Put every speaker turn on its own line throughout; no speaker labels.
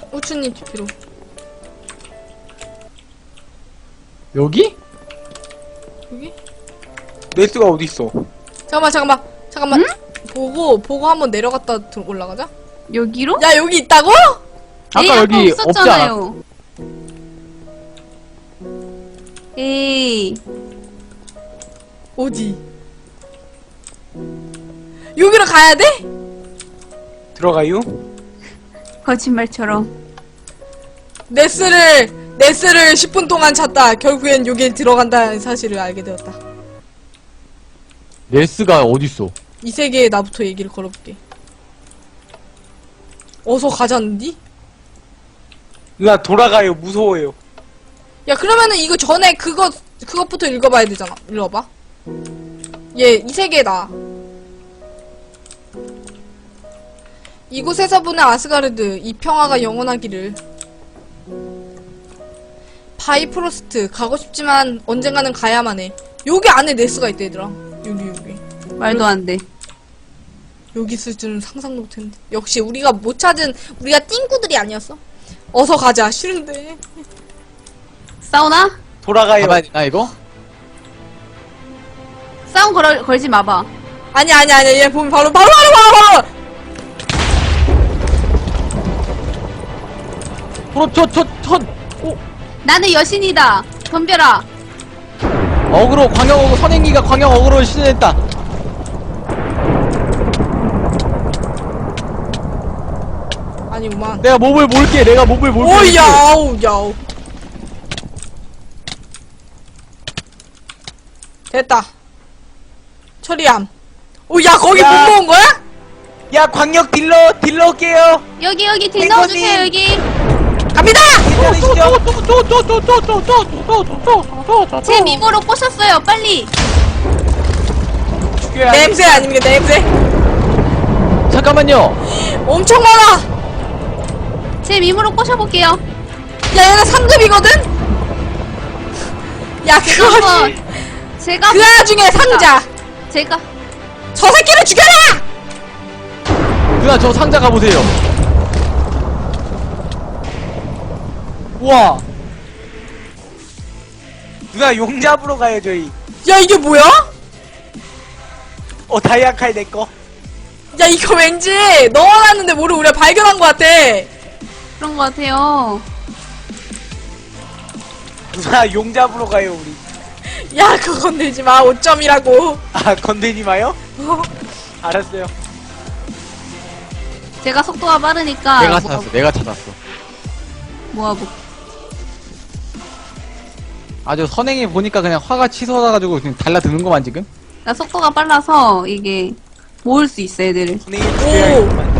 후추님 TP로.
여기?
여기?
네스가 어딨어?
잠깐만.
응?
보고 한번 내려갔다 올라가자.
여기로?
야, 여기 있다고?
에이,
아까 여기
없었잖아요. 에이.
어디? 여기로 가야 돼?
들어가요?
거짓말처럼.
네스를 10분 동안 찾다. 결국엔 여기에 들어간다는 사실을 알게 되었다.
네스가 어딨어?
이 세계에 나부터 얘기를 걸어볼게. 어서 가자는디?
누나 돌아가요. 무서워요.
야, 그러면은 이거 전에 그것부터 읽어봐야 되잖아. 읽어봐. 이 세계다. 이곳에서 보낸 아스가르드, 이 평화가 영원하기를. 바이프로스트, 가고 싶지만 언젠가는 가야만 해. 여기 안에 네스가 있다, 얘들아. 여기.
말도 안 돼.
여기 있을 줄은 상상도 못했는데. 역시 우리가 못 찾은, 우리가 띵구들이 아니었어. 어서 가자. 싫은데.
싸우나?
돌아가요.
가봐야 되나 이거?
싸움 걸지 마봐.
아니. 얘 보면 바로.
오!
나는 여신이다. 덤벼라.
어그로 광역 어그로 선행기가 광역 어그로를 시전했다.
아니구만.
내가 몹을 몰게.
오, 야우. 됐다. 처리함. 오, 야, 거기 못
야.
모은 거야?
야 광역 딜러 올게요.
여기 딜
탱커님.
넣어주세요. 여기.
갑니다!
괜찮으시죠?
제 미모로 꼬셨어요. 빨리.
죽여야
냄새 아닙니까, 냄새?
잠깐만요.
엄청 많아!
제 미모로 꼬셔볼게요.
야, 얘가 3급이거든? 야, 그거,
제가
그 와중에 상자!
제가
저 새끼를 죽여라!
누나 저 상자 가보세요. 우와.
누나 용 잡으러 가요 저희.
야, 이게 뭐야?
다이아 칼 내꺼.
야, 이거 왠지 넣어놨는데 뭐를 우리가 발견한 것 같아.
그런 것 같아요.
누나 용 잡으러 가요 우리.
야, 그거 건들지 마. 5점이라고.
아 건드리지 마요? 알았어요.
제가 속도가 빠르니까
내가 찾았어.
모아보.
아주 선행이 보니까 그냥 화가 치솟아가지고 그냥 달라드는 거만 지금?
나 속도가 빨라서 이게 모을 수 있어 애들을.
선생님 죽여야겠구만.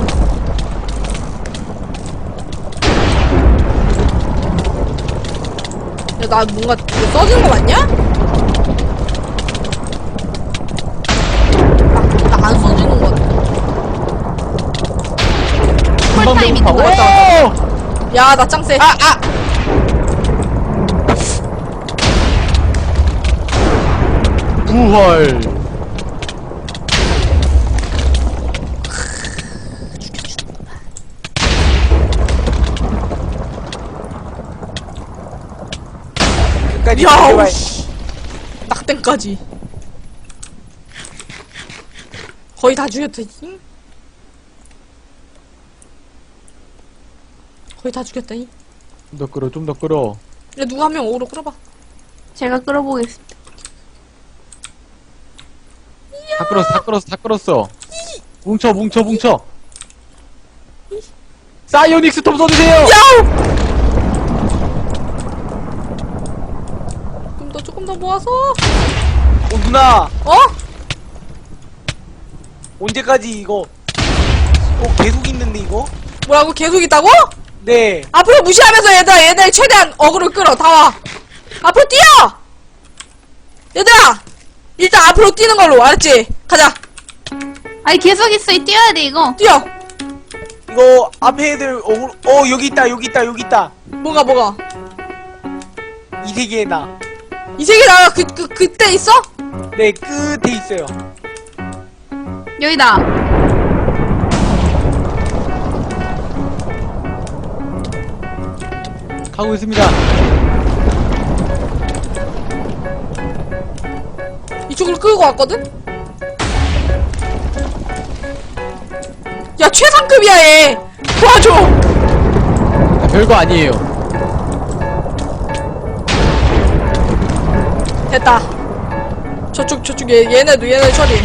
야, 나 뭔가 이거 써진 거 맞냐? 나 안 써지는 거 같아.
쿨타임 있는 거 같아.
야, 나 짱세.
부활.
끝까지
야,
죽여봐야
씨. 낙땡까지. 거의 다 죽였다. 잉? 거의 다 죽였다. 잉?
좀 더 끌어.
야, 누가 한 명 어그로 끌어봐.
제가 끌어보겠습니다.
다 끌었어. 뭉쳐. 사이오닉스 톰 써주세요!
야우! 조금 더 모아서.
누나
어?
언제까지 이거 계속 있는데 이거?
뭐라고? 계속 있다고?
네.
앞으로 무시하면서 얘들 최대한 어그로 끌어. 다 와. 앞으로 뛰어! 얘들아! 일단 앞으로 뛰는 걸로. 알았지? 가자.
아니 계속 있어. 뛰어야 돼 이거.
뛰어.
이거 앞에 애들 여기 있다.
뭐가?
이 세계에 나.
이 세계 나가 그때 있어?
네 끝에 있어요.
여기다.
가고 있습니다.
이쪽으로 끌고 왔거든? 야, 최상급이야, 얘! 도와줘!
별거 아니에요.
됐다. 저쪽, 얘네도 처리.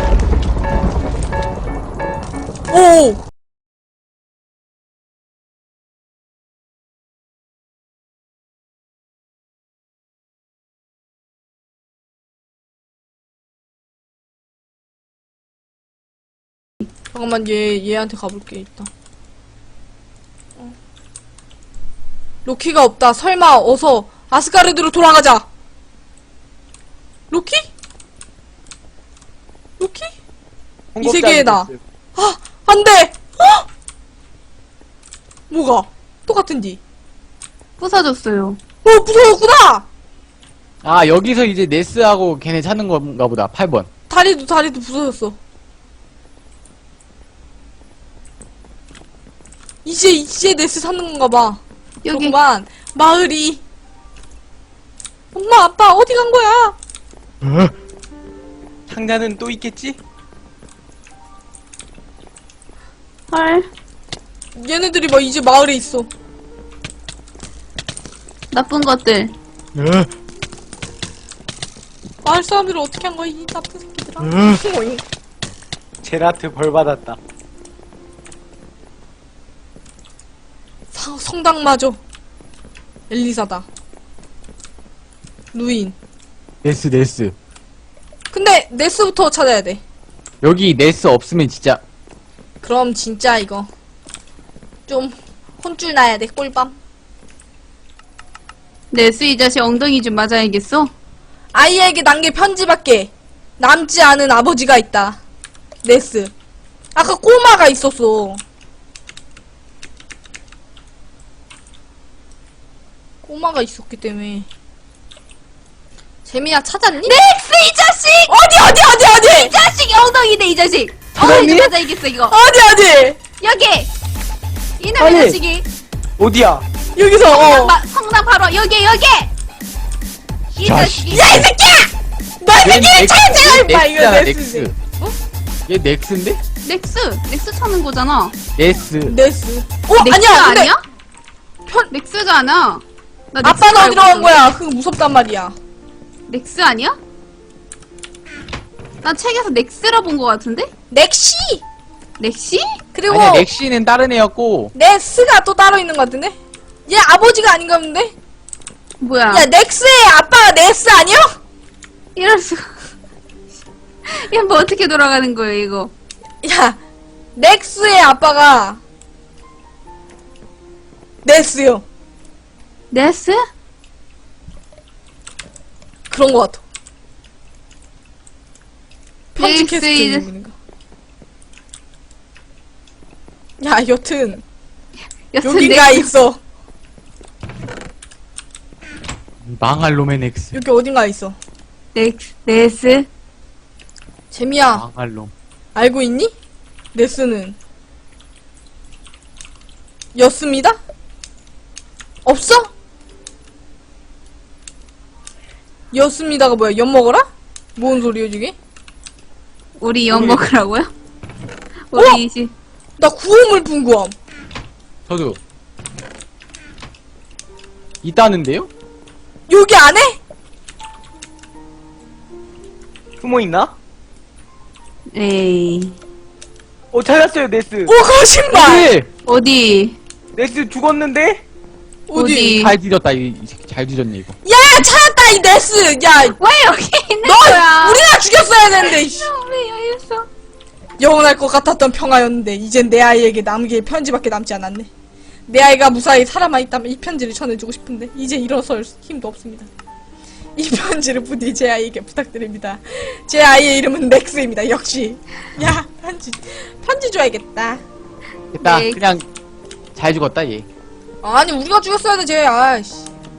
오! 잠깐만, 얘한테 가볼게, 일단. 로키가 없다. 설마, 어서, 아스가르드로 돌아가자! 로키? 로키? 이 세계에 나. 아! 안 돼! 어? 뭐가? 똑같은디.
부서졌어요.
무서웠구나!
아, 여기서 이제 네스하고 걔네 찾는 건가 보다. 8번.
다리도 부서졌어. 이제 네스 찾는 건가 봐.
여기.
그렇구만. 마을이. 엄마, 아빠, 어디 간 거야?
상자는 또 있겠지?
헐.
얘네들이 막 이제 마을에 있어.
나쁜 것들.
마을 사람들을 어떻게 한 거야, 이 나쁜 새끼들아. 오잉.
제라트 벌 받았다.
성당마저. 엘리사다. 루인.
네스.
근데 네스부터 찾아야 돼.
여기 네스 없으면 진짜
그럼 진짜 이거 좀 혼쭐 나야 돼. 꿀밤.
네스 이 자식 엉덩이 좀 맞아야겠어?
아이에게 남긴 편지밖에 남지 않은 아버지가 있다. 네스. 아까 꼬마가 있었어. 꼬마가 있었기 때문에. 재미야 찾았니?
넥스 이 자식!
어디?
이 자식 엉덩이네 이 자식! 엉덩이 좀 맞아야겠어 이거.
어디?
여기! 이놈의
아니.
자식이
어디야?
여기서
성당 바로 여기! 이 자식이.
야, 이 새끼야! 너 이 새끼를 찾아! 임마, 이거
넥스잖아,
네스.
넥스. 얘 넥스인데?
넥스 찾는 거잖아.
네스.
네스.
넥스
근데
아니야? 넥스가 아니야. 나 넥스
아빠는
알고
어디로 간
있었는데.
거야? 그거 무섭단 말이야.
넥스 아니야? 난 책에서 넥스라 본 거 같은데?
넥시!
넥시?
그리고
아니야, 넥시는 다른 애였고.
네스가 또 따로 있는 것 같은데? 얘 아버지가 아닌가 본데?
뭐야?
야, 넥스의 아빠가 네스 아니야?
이럴 수가. 이건 뭐 어떻게 돌아가는 거예요 이거?
야, 넥스의 아빠가 네스요.
네스?
그런 것 같아. 편지
넥스
캐스트
이제-
있는 거. 야, 여튼 여긴가
넥스.
있어.
망할 놈의 넥스.
여기 어딘가 있어.
네스?
재미야,
망할 놈.
알고 있니? 네스는 였습니다? 없어? 였습니다가 뭐야? 엿 먹어라? 뭔 소리야 저게?
우리 엿 먹으라고요?
어?
우리 이제
나 구호물 분구함.
저도. 있다는데요?
여기 안에?
숨어있나?
에이
찾았어요, 네스.
오, 거짓말!
네!
어디?
네스 죽었는데?
어디?
잘 뒤졌다, 이 새끼 잘 뒤졌네, 이거.
야, 찾았다 이 네스. 야,
왜 여기 있는
너
거야?
우리가 죽였어야 되는데. 이씨.
왜 여기 있어?
영원할 것 같았던 평화였는데 이젠 내 아이에게 남길 편지밖에 남지 않았네. 내 아이가 무사히 살아있다면 이 편지를 전해주고 싶은데 이제 일어설 힘도 없습니다. 이 편지를 부디 제 아이에게 부탁드립니다. 제 아이의 이름은 넥스입니다. 역시. 야, 편지 줘야겠다.
됐다,
네.
그냥 잘 죽었다, 얘.
아니, 우리가 죽였어야 돼, 쟤. 아이씨.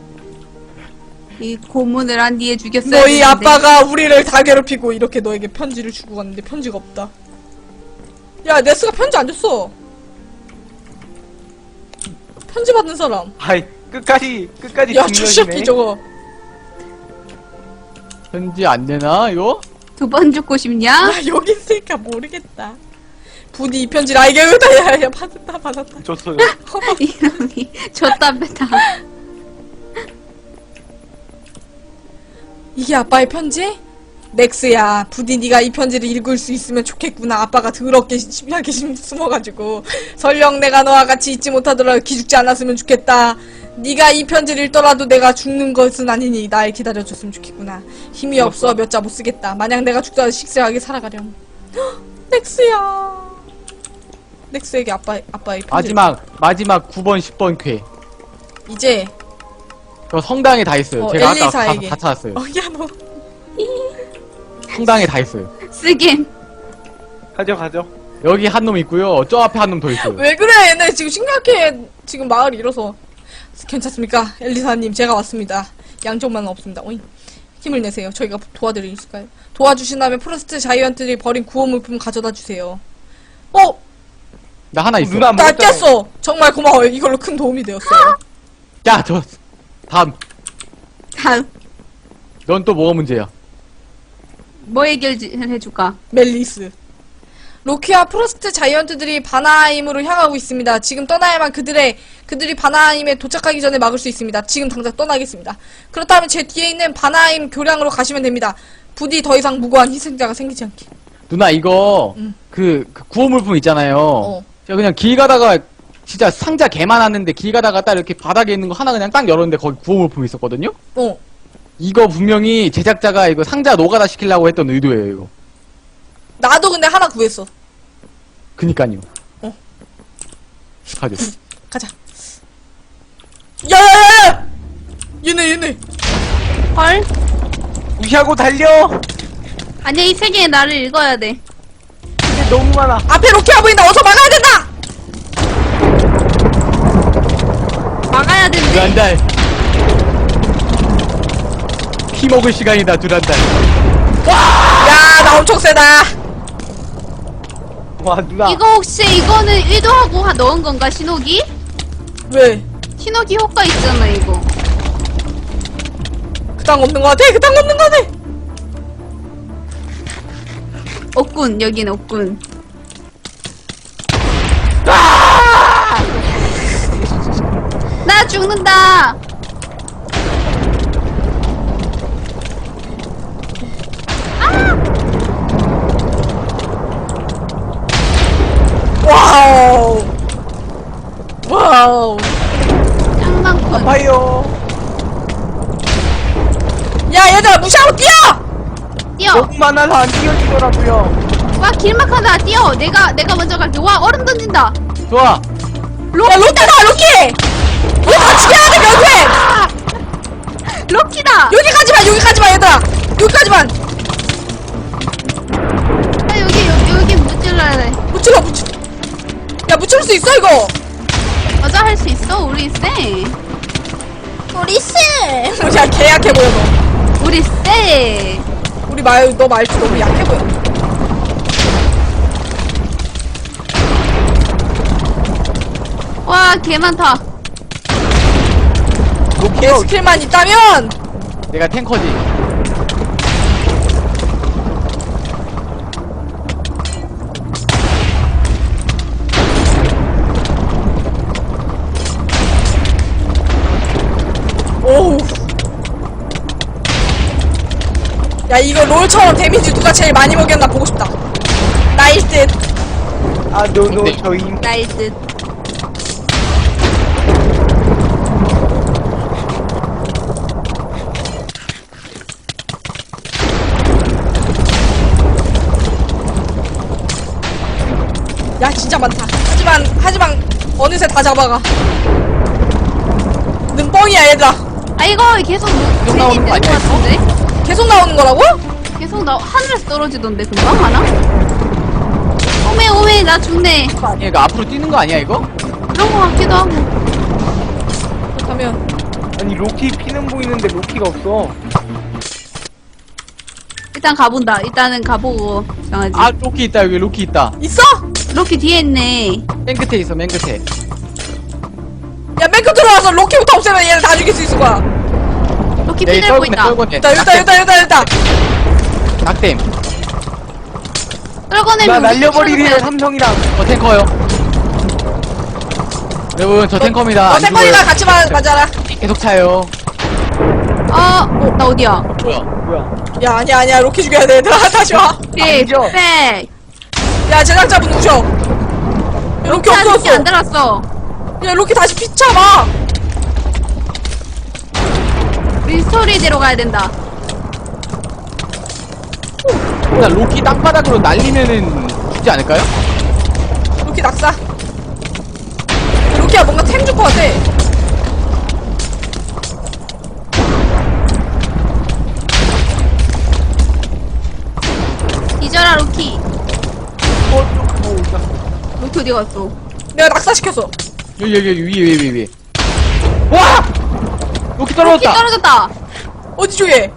이 고문을 한 뒤에 죽였어야
너희
되는데.
아빠가 우리를 다 괴롭히고 이렇게 너에게 편지를 주고 갔는데 편지가 없다. 야, 네스가 편지 안 줬어. 편지 받는 사람.
아이, 끝까지
야, 저 새끼
중력이네.
저거.
편지 안 되나, 이거?
2번 죽고 싶냐?
아, 여기 있으니까 모르겠다. 부디 이 편지를 알게 여기다. 야, 받았다.
줬어요.
이놈이 줬다 뺐다.
이게 아빠의 편지? 넥스야, 부디 네가 이 편지를 읽을 수 있으면 좋겠구나. 아빠가 더럽게 심하게 숨어가지고 설령 내가 너와 같이 있지 못하더라도 기죽지 않았으면 좋겠다. 네가 이 편지를 읽더라도 내가 죽는 것은 아니니 날 기다려줬으면 좋겠구나. 힘이 없어 몇 자 못 쓰겠다. 만약 내가 죽더라도 식세하게 살아가렴. 헉, 넥스야. 넥스에게 아빠의 편지.
마지막 9번, 10번 쾌.
이제
저 성당에 다 있어요. 제가 아까 가서
엘리사에게.
다 찾았어요.
야 너.
성당에 다 있어요.
쓰긴.
가져.
여기 한 놈 있고요. 저 앞에 한 놈 더 있어요.
왜 그래? 얘네 지금 심각해. 지금 마을 잃어서. 괜찮습니까? 엘리사님, 제가 왔습니다. 양쪽만 없습니다. 오잉. 힘을 내세요. 저희가 도와드릴 수 있을까요? 도와주신다면 프로스트 자이언트들이 버린 구호 물품 가져다 주세요.
나 하나 있어.
누나
나
먹었잖아요.
깼어. 정말 고마워요. 이걸로 큰 도움이 되었어요.
야, 다음.
다음.
넌 또 뭐가 문제야?
뭐 해줄까?
멜리스. 로키와 프로스트 자이언트들이 바나하임으로 향하고 있습니다. 지금 떠나야만 그들이 바나하임에 도착하기 전에 막을 수 있습니다. 지금 당장 떠나겠습니다. 그렇다면 제 뒤에 있는 바나하임 교량으로 가시면 됩니다. 부디 더 이상 무고한 희생자가 생기지 않게.
누나, 이거, 그 구호 물품 있잖아요. 제가 그냥 길 가다가, 진짜 상자 개 많았는데, 길 가다가 딱 이렇게 바닥에 있는 거 하나 그냥 딱 열었는데, 거기 구호 물품이 있었거든요? 이거 분명히 제작자가 이거 상자 노가다 시키려고 했던 의도예요, 이거.
나도 근데 하나 구했어.
그니까요. 가죠.
가자. 야야야야! 얘네.
헐?
무시하고 달려.
아니야, 이 세계의 나를 읽어야 돼.
근데 너무 많아.
앞에 로키가 보인다. 어서 막아야 된다.
막아야 된대.
두란달. 피 먹을 시간이다, 두란달.
야, 나 엄청 세다.
와 누나.
이거 혹시 이거는 의도하고 넣은 건가, 신호기?
왜?
신호기 효과 있잖아, 이거.
그딴 없는 거 같아.
없군, 여긴 없군. 나 죽는다!
와우.
짱 많군.
아파요.
야, 얘들아 무시하고 뛰어.
뛰어!
너무 많아서 안 뛰어지더라고요.
와, 길막하다, 뛰어! 내가 먼저 갈게. 와, 얼음 던진다!
좋아.
야, 로키다, 로키. 우리 같이 가야 돼, 결국에.
럭키다!
여기까지만, 얘들아. 여기까지만.
아, 여기 무찔러야 돼.
묻힐러. 야, 묻힐 수 있어 이거.
맞아, 할 수 있어. 우리 쎄.
우리 씨. 야, 개 약해 보여 너.
우리 쎄.
너 말투 너무 약해 보여.
와, 개 많다.
개 스킬만 있다면.
내가 탱커지.
오우. 야, 이거 롤처럼 데미지 누가 제일 많이 먹였나 보고 싶다. 나일 듯.
아 노노 저희.
나일 듯.
야, 진짜 많다. 하지만 어느새 다 잡아가. 는 뻥이야, 얘들아.
아, 이거 계속
나오는 거
되는 것
아니야,
같은데?
계속 나오는 거라고?
계속 하늘에서 떨어지던데, 금방 하나? 오메, 나 죽네.
아니, 이거 앞으로 뛰는 거 아니야, 이거?
그런 거 같기도 하고.
그렇다면
아니 로키 피는 보이는데 로키가 없어.
일단 가본다. 일단은 가보고 정하지.
아, 로키 있다, 여기 로키 있다.
있어?
이렇게 뒤에 있네.
맨 끝에 있어, 맨 끝에.
야, 맨 끝으로 와서 로키부터 없애면 얘를 다 죽일 수 있을 거야.
로키
네,
피 들고 있다.
일단.
낙댐.
나
떨궈내면
날려버리리요 삼성이랑.
탱커요. 여러분, 저 탱커입니다.
너
안
탱커이랑
죽어요.
같이 맞아라.
계속 차요.
나 어디야?
뭐야?
야, 아니야. 로키 죽여야 돼, 얘들아. 다시 와.
아니죠?
백.
야, 제작자분 우셔. 야, 로키
로키 안
없어졌어.
들었어.
야, 로키 다시 피쳐봐.
리스토리대로 가야 된다.
나 로키 땅바닥으로 날리면은 죽지 않을까요?
로키 낙사. 로키야, 뭔가 템 줄 것 같아.
잊어라 로키. 로키 어디 갔어?
내가 낙사시켰어.
여기 위에. 와! 로키
로키
떨어졌다.
떨어졌다.
어디 쪽에?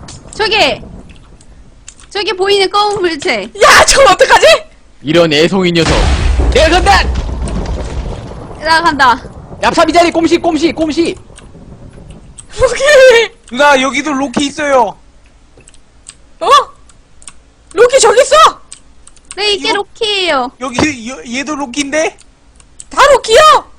저기 보이는 검은 물체.
야, 저걸 어떡하지?
이런 애송이 녀석. 내가 간다.
나간다.
얍삽이 자리 꼼시.
로키.
누나 여기도 로키 있어요.
어? 로키 저기 있어.
네, 이게
이거-
로키예요.
여기 얘도 로키인데?
다 로키야.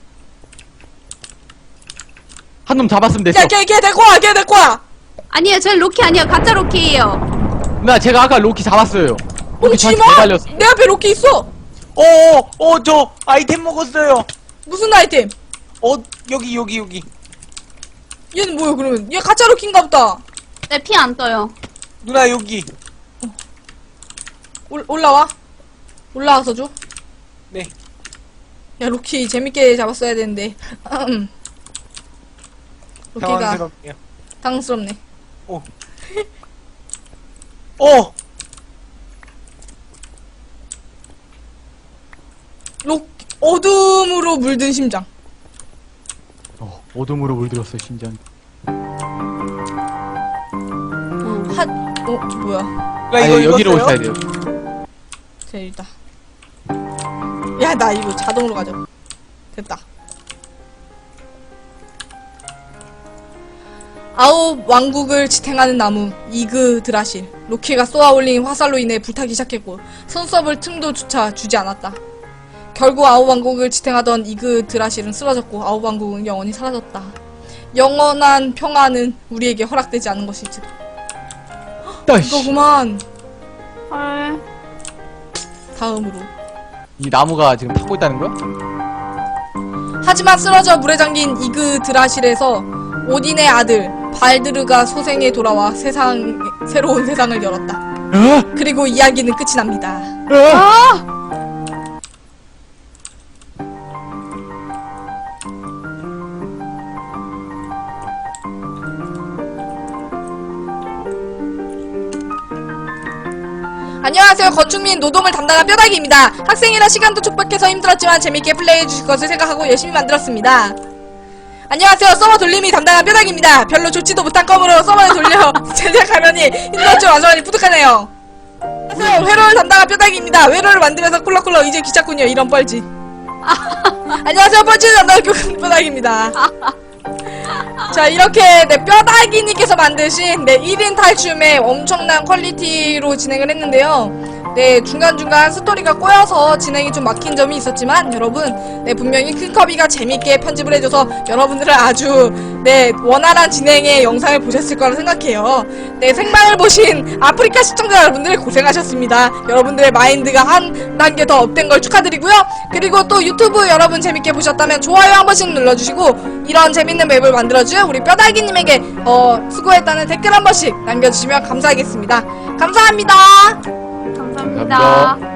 한 놈 잡았으면 됐어.
야, 걔 데리고 와. 걔 데리고 와.
아니에요, 저 로키 아니에요. 가짜 로키예요.
나 제가 아까 로키 잡았어요. 로키
뭉치지
저한테
마.
매달렸어.
내 앞에 로키 있어.
저 아이템 먹었어요.
무슨 아이템?
여기.
얘는 뭐야 그러면? 얘 가짜 로키인가 보다.
내 피 안 떠요.
누나 여기.
올라와. 올라와서 줘.
네.
야, 로키 재밌게 잡았어야 되는데. 로키가
당황스럽네요.
당황스럽네. 어둠으로 물든 심장.
어둠으로 물들었어 심장.
뭐야?
누나 이거
아니 여기로
읽었어요?
오셔야 돼요.
재밌다. 야, 나 이거 자동으로 가져. 됐다. 아홉 왕국을 지탱하는 나무 이그 드라실. 로키가 쏘아올린 화살로 인해 불타기 시작했고 손썹을 틈도조차 주지 않았다. 결국 아홉 왕국을 지탱하던 이그 드라실은 쓰러졌고 아홉 왕국은 영원히 사라졌다. 영원한 평화는 우리에게 허락되지 않은 것이지. 이거구만.
헐.
다음으로.
이 나무가 지금 타고 있다는 거야?
하지만 쓰러져 물에 잠긴 이그 드라실에서 오딘의 아들 발드르가 소생에 돌아와 새로운 세상을 열었다. 그리고 이야기는 끝이 납니다. 안녕하세요. 건축 및 노동을 담당한 뼈다귀입니다. 학생이라 시간도 촉박해서 힘들었지만 재밌게 플레이해주실 것을 생각하고 열심히 만들었습니다. 안녕하세요. 서버 돌림이 담당한 뼈다귀입니다. 별로 좋지도 못한 껌으로 서버에 돌려 제작하려니 힘들었죠. 완전히 뿌듯하네요. 안녕하세요. 회로를 담당한 뼈다귀입니다. 회로를 만들면서 쿨럭쿨럭 이제 귀찮군요. 이런 뻘짓. 안녕하세요. 뻘짓을 담당한 뼈다귀입니다. 자, 이렇게 뼈다귀님께서 만드신 1인 탈춤의 엄청난 퀄리티로 진행을 했는데요. 중간중간 스토리가 꼬여서 진행이 좀 막힌 점이 있었지만 여러분, 분명히 큰커비가 재밌게 편집을 해줘서 여러분들은 아주 원활한 진행의 영상을 보셨을 거라 생각해요. 생방을 보신 아프리카 시청자 여러분들 고생하셨습니다. 여러분들의 마인드가 한 단계 더 업된 걸 축하드리고요. 그리고 또 유튜브 여러분 재밌게 보셨다면 좋아요 한 번씩 눌러주시고 이런 재밌는 맵을 만들어준 우리 뼈다귀님에게 수고했다는 댓글 한 번씩 남겨주시면 감사하겠습니다. 감사합니다.
감사합니다.